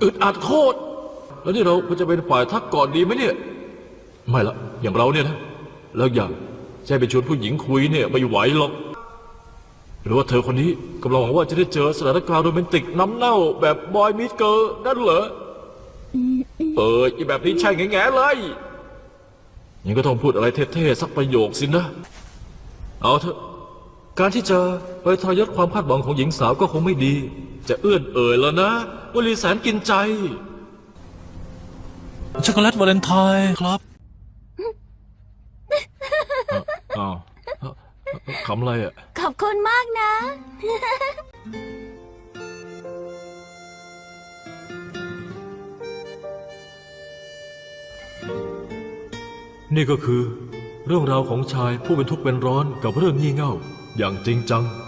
อึดอัดโคตรแล้วนี่เราจะเป็นฝ่ายทักก่อนดีไหมเนี่ยไม่ละอย่างเราเนี่ยนะแล้วอย่างจะไปชวนผู้หญิงคุยเนี่ยไม่ไหวหรอกหรือว่าเธอคนนี้กำลังหวังว่าจะได้เจอสถานการณ์โรแมนติกน้ำเน่าแบบบอยมิสเกิร์ลนั่นเหรออีแบบนี้ใช่แง่ๆเลยยังก็ต้องพูดอะไรเท่ๆสักประโยคสินะเอาเถอะการที่จะไปทรยศความคาดหวังของหญิงสาวก็คงไม่ดีจะเอื้อนเอ่ยแล้วนะวลีแสนกินใจช็อกโกแลตวาเลนไทน์ครับอ้าวขำอะไรอ่ะขอบคุณมากนะนี่ก็คือเรื่องราวของชายผู้เป็นทุกข์เป็นร้อนกับเรื่องงี่เง่าอย่างจริงจัง